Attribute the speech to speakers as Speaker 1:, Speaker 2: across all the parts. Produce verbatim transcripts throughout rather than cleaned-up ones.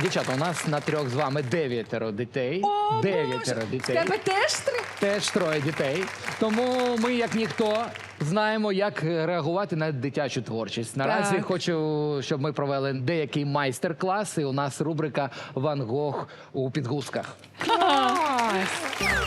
Speaker 1: Дівчата, у нас на трьох з вами дев'ятеро дітей.
Speaker 2: О,
Speaker 1: Дев'ятеро
Speaker 2: Боже,
Speaker 1: дітей.
Speaker 2: в тебе теж три?
Speaker 1: Теж троє дітей. Тому ми, як ніхто, знаємо, як реагувати на дитячу творчість. Наразі
Speaker 2: Так.
Speaker 1: хочу, щоб ми провели деякий майстер-клас, і у нас рубрика «Ван Гог у підгузках».
Speaker 2: Клас!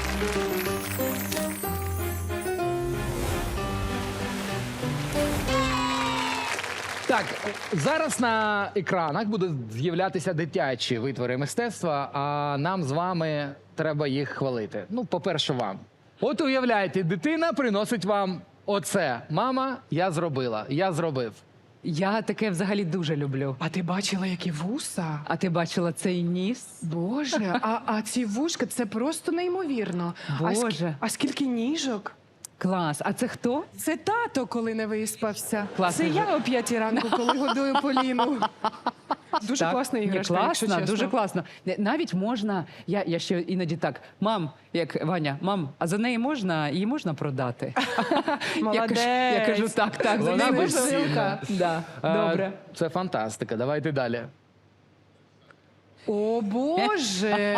Speaker 1: Так, зараз на екранах будуть з'являтися дитячі витвори мистецтва, а нам з вами треба їх хвалити. Ну, по-перше, вам. От уявляєте, дитина приносить вам оце. Мама, я зробила, я зробив.
Speaker 3: Я таке взагалі дуже люблю.
Speaker 2: А ти бачила, які вуса?
Speaker 3: А ти бачила цей ніс?
Speaker 2: Боже, а, а ці вушка, це просто неймовірно. А, ск-
Speaker 3: Боже.
Speaker 2: а скільки ніжок?
Speaker 3: Клас. А це хто?
Speaker 2: Це тато, коли не виспався.
Speaker 3: Класний
Speaker 2: Це я о п'ятій ранку, коли годую Поліну. Дуже
Speaker 3: Так.
Speaker 2: класна
Speaker 3: Ні,
Speaker 2: іграшка, якщо
Speaker 3: класно,
Speaker 2: чесно.
Speaker 3: дуже класно. Не, Навіть можна, я, я ще іноді так, мам, як Ваня, мам, а за неї можна, її можна продати? Я кажу, я кажу, так, так, за
Speaker 1: Вона
Speaker 3: неї можна.
Speaker 1: безцінна.
Speaker 3: Да,
Speaker 1: Е,
Speaker 3: добре.
Speaker 1: Це фантастика. Давайте далі.
Speaker 2: О, Боже!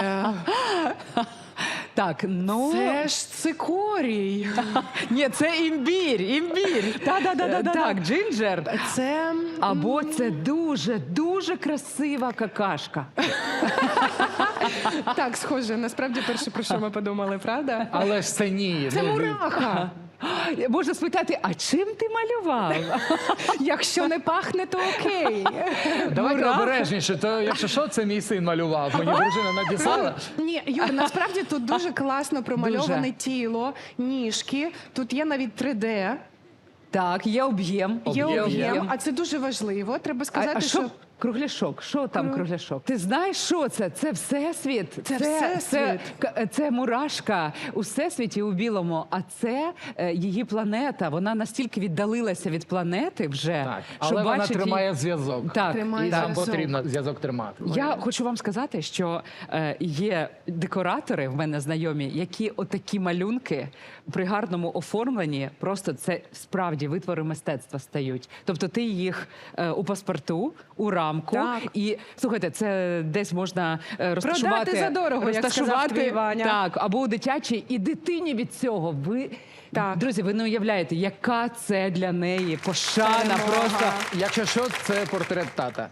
Speaker 3: Так, ну...
Speaker 2: Це ж цикорій.
Speaker 3: Ні, це імбір, імбір.
Speaker 2: Та-да-да-да-да.
Speaker 3: Так, джинджер.
Speaker 2: Це...
Speaker 3: Або це дуже, дуже красива какашка.
Speaker 2: Так, схоже, насправді перше, про що ми подумали, правда?
Speaker 1: Але ж це ні.
Speaker 2: Це
Speaker 1: ну,
Speaker 2: мураха.
Speaker 3: Можна спитати, а чим ти малював?
Speaker 2: Якщо не пахне, то окей.
Speaker 1: Давайте
Speaker 3: Мураха.
Speaker 1: обережніше, то якщо що, це мій син малював. Мені дружина надіслала.
Speaker 2: Ні, Юр, насправді тут дуже класно промальоване
Speaker 3: Дуже.
Speaker 2: тіло, ніжки. Тут є навіть три де,
Speaker 3: Так, є об'єм.
Speaker 2: є
Speaker 1: Об'єм.
Speaker 2: об'єм, а це дуже важливо. Треба
Speaker 3: А,
Speaker 2: сказати,
Speaker 3: а що
Speaker 2: що...
Speaker 3: кругляшок? Що там
Speaker 2: Кру-
Speaker 3: кругляшок? Ти знаєш, що це? Це всесвіт.
Speaker 2: Це
Speaker 3: Це,
Speaker 2: всесвіт.
Speaker 3: к- це мурашка у всесвіті у білому, а це е, її планета. Вона настільки віддалилася від планети вже,
Speaker 1: Так,
Speaker 3: що
Speaker 1: але вона
Speaker 3: бачить
Speaker 1: тримає
Speaker 3: її...
Speaker 1: зв'язок.
Speaker 3: Так,
Speaker 2: Тримає
Speaker 1: І нам
Speaker 2: зв'язок.
Speaker 1: потрібно зв'язок тримати.
Speaker 3: Я хочу вам сказати, що е, є декоратори в мене знайомі, які отакі малюнки при гарному оформленні просто це справді витвори мистецтва стають. Тобто ти їх е, у паспорту, у рамку,
Speaker 2: Так.
Speaker 3: і слухайте, це десь можна е, розташувати
Speaker 2: за дорого, як сказав твій Ваня.
Speaker 3: так, або у дитячій, і дитині від цього. Ви
Speaker 2: Так.
Speaker 3: друзі, ви не уявляєте, яка це для неї пошана,
Speaker 2: Перемога.
Speaker 3: просто.
Speaker 1: Якщо що, це портрет тата.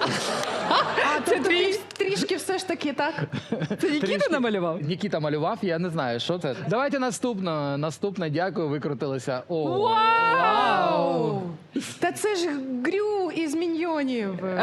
Speaker 2: А, це твій трішки все ж таки, так?
Speaker 3: Це Нікіта намалював?
Speaker 1: Нікіта малював, я не знаю, що це. Давайте наступно. Наступне, дякую, викрутилися. О,
Speaker 2: Вау! Та це ж Грю із Міньйонів. Е,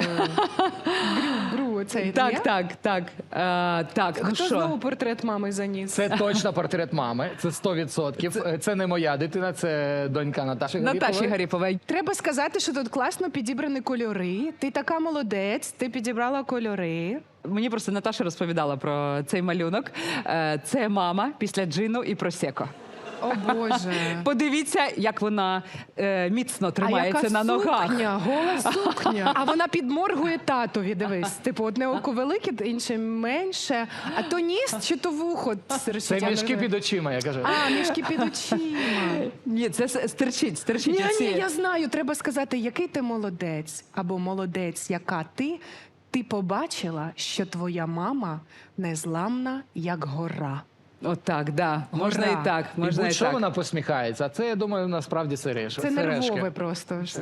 Speaker 2: Грю, Грю, цей,
Speaker 3: Так,
Speaker 2: ні?
Speaker 3: так, так. Е, так, ну
Speaker 2: Хто
Speaker 3: що?
Speaker 2: знову портрет мами заніс?
Speaker 1: Це точно портрет мами, це сто відсотків. Це... це не моя дитина, це донька Наташі
Speaker 3: Наташі
Speaker 1: Гаріпової.
Speaker 3: Гаріпової.
Speaker 2: Треба сказати, що тут класно підібрані кольори. Ти така молодець, ти підібрала кольори.
Speaker 3: Мені просто Наташа розповідала про цей малюнок. Е, Це мама після джину і просеко.
Speaker 2: О, Боже.
Speaker 3: Подивіться, як вона е, міцно тримається
Speaker 2: а яка
Speaker 3: на ногах.
Speaker 2: Сукня, гола сукня. А вона підморгує татові, дивись. Типу, одне око велике, інше менше. А то ніс чи то вухо?
Speaker 1: Це мішки під очима, я кажу.
Speaker 2: А, мішки під очима.
Speaker 3: Ні, це с- стерчить, стерчить.
Speaker 2: Ні,
Speaker 3: оці.
Speaker 2: ні, я знаю. Треба сказати, який ти молодець. Або молодець, яка ти. Ти побачила, що твоя мама незламна, як гора.
Speaker 3: Отак, да. Можна
Speaker 2: Гора.
Speaker 3: і так,
Speaker 1: І
Speaker 3: можна і,
Speaker 1: будь-що
Speaker 3: так.
Speaker 1: вона посміхається, а це, я думаю, насправді сережки.
Speaker 2: Це
Speaker 1: сережки.
Speaker 2: нервове просто вже.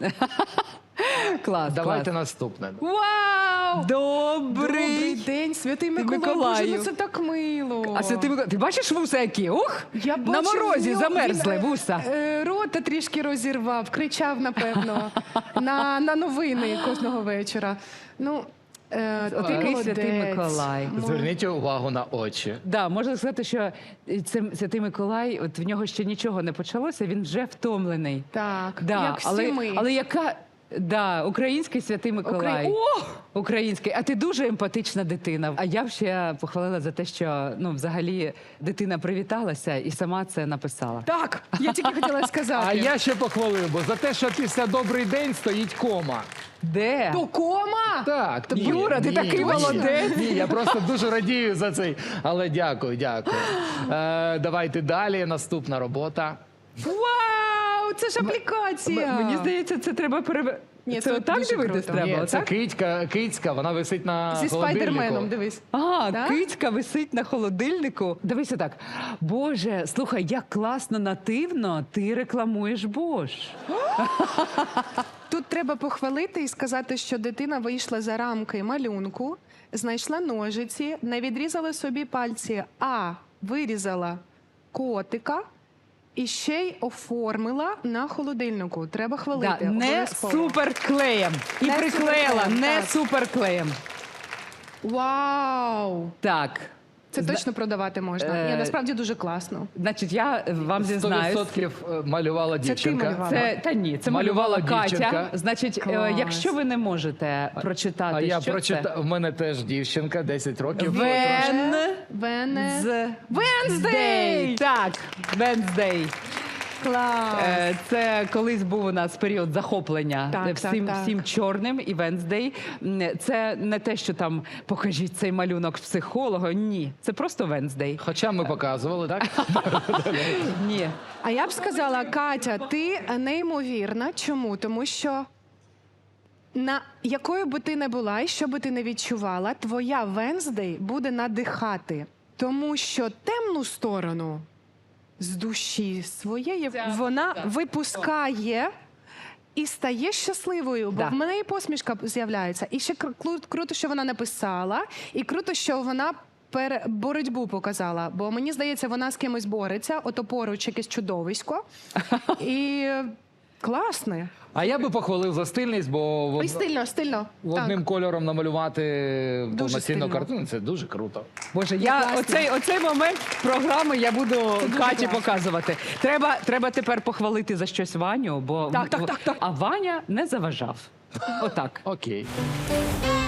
Speaker 3: Клас,
Speaker 1: Давайте
Speaker 3: клас.
Speaker 1: наступне.
Speaker 3: Вау! Добрий!
Speaker 2: Добрий день, святий Миколай.
Speaker 3: Миколаю.
Speaker 2: Боже, ну це так мило.
Speaker 3: А святий Миколай, ти бачиш вуса які? Ух!
Speaker 2: Я
Speaker 3: на
Speaker 2: бачу,
Speaker 3: морозі
Speaker 2: в нього-
Speaker 3: замерзли
Speaker 2: він, е,
Speaker 3: вуса.
Speaker 2: е, Рота трішки розірвав, кричав, напевно, на, на новини кожного вечора. Ну, е, ти
Speaker 3: Такий
Speaker 2: молодець.
Speaker 3: святий Миколай.
Speaker 2: Мо-
Speaker 1: Зверніть увагу на очі.
Speaker 3: Да, можна сказати, що це святий Миколай, от в нього ще нічого не почалося, він вже втомлений.
Speaker 2: Так,
Speaker 3: Да,
Speaker 2: як всі
Speaker 3: але,
Speaker 2: ми.
Speaker 3: але яка да, український святий Миколай.
Speaker 2: Украї- О!
Speaker 3: Український. А ти дуже емпатична дитина. А я б ще похвалила за те, що ну, взагалі дитина привіталася і сама це написала.
Speaker 2: Так, я тільки хотіла сказати.
Speaker 1: А я ще похвалив, бо за те, що після «Добрий день» стоїть кома.
Speaker 3: Де?
Speaker 2: То кома?
Speaker 1: Так, ні,
Speaker 3: Юра, ти
Speaker 1: ні,
Speaker 3: такий
Speaker 1: ні,
Speaker 3: молодець.
Speaker 1: Ні, я просто дуже радію за цей. Але дякую, дякую. Е, давайте далі. Наступна робота.
Speaker 2: Вау! Вау, це ж аплікація.
Speaker 3: М- Мені здається, це треба перев...
Speaker 2: Ні,
Speaker 3: це
Speaker 2: це
Speaker 3: отак
Speaker 2: дуже
Speaker 3: дивитись
Speaker 2: круто.
Speaker 3: треба,
Speaker 1: Ні, це
Speaker 3: отак?
Speaker 1: кицька, кицька, вона висить на
Speaker 2: Зі
Speaker 1: холодильнику.
Speaker 2: спайдерменом, дивись.
Speaker 3: А,
Speaker 2: Да?
Speaker 3: кицька висить на холодильнику. Дивися так. Боже, слухай, як класно нативно ти рекламуєш Бош.
Speaker 2: Тут треба похвалити і сказати, що дитина вийшла за рамки малюнку, знайшла ножиці, не відрізала собі пальці, а вирізала котика і ще й оформила на холодильнику. Треба хвалити.
Speaker 3: Да, не
Speaker 2: обов'язково.
Speaker 3: суперклеєм. І
Speaker 2: Не
Speaker 3: приклеїла,
Speaker 2: суперклеєм,
Speaker 3: не
Speaker 2: так.
Speaker 3: суперклеєм.
Speaker 2: Вау!
Speaker 3: Так.
Speaker 2: Це
Speaker 3: Зна-
Speaker 2: точно продавати можна.
Speaker 3: Е,
Speaker 2: Ні, насправді дуже класно.
Speaker 3: Значить, я вам
Speaker 1: Сто
Speaker 3: зізнаюсь.
Speaker 1: відсотків малювала
Speaker 2: Це ти
Speaker 1: дівчинка.
Speaker 2: малювала?
Speaker 3: Це та ні, це
Speaker 1: Малювала
Speaker 3: малювала Катя.
Speaker 1: дівчинка.
Speaker 3: Значить, е,
Speaker 2: Клас.
Speaker 3: якщо ви не можете прочитати,
Speaker 1: А я
Speaker 3: що
Speaker 1: прочитав, в мене теж дівчинка, десять років.
Speaker 3: це? Вен
Speaker 2: Вене.
Speaker 3: з
Speaker 2: Венздей!
Speaker 3: Так, Венздей.
Speaker 2: Клас!
Speaker 3: Е, Це колись був у нас період захоплення
Speaker 2: Так,
Speaker 3: е, всім,
Speaker 2: так, так.
Speaker 3: всім чорним і Венздей. М, Це не те, що там покажіть цей малюнок психолога. Ні, це просто Венздей.
Speaker 1: Хоча ми показували, так?
Speaker 3: Ні.
Speaker 2: А я б сказала, Катя, ти неймовірна. Чому? Тому що на якою би ти не була і що би ти не відчувала, твоя Венздей буде надихати. Тому що темну сторону з душі своєї
Speaker 3: Ця-
Speaker 2: вона
Speaker 3: так.
Speaker 2: випускає і стає щасливою, бо
Speaker 3: Да.
Speaker 2: в мене і посмішка з'являється. І ще кру- кру- круто, що вона написала, і круто, що вона пере- боротьбу показала. Бо мені здається, вона з кимось бореться, ото поруч якесь чудовисько. І класне.
Speaker 1: А я би похвалив за стильність, бо в
Speaker 2: І
Speaker 1: од-
Speaker 2: стильно, стильно.
Speaker 1: одним кольором намалювати повноцінну
Speaker 2: стильно.
Speaker 1: картину це дуже круто.
Speaker 3: Боже, я
Speaker 2: класно.
Speaker 3: оцей, оцей момент програми я буду Каті
Speaker 2: класно.
Speaker 3: показувати. Треба, треба тепер похвалити за щось Ваню, бо
Speaker 2: Так, так, так, так.
Speaker 3: а Ваня не заважав. Отак.
Speaker 1: Окей.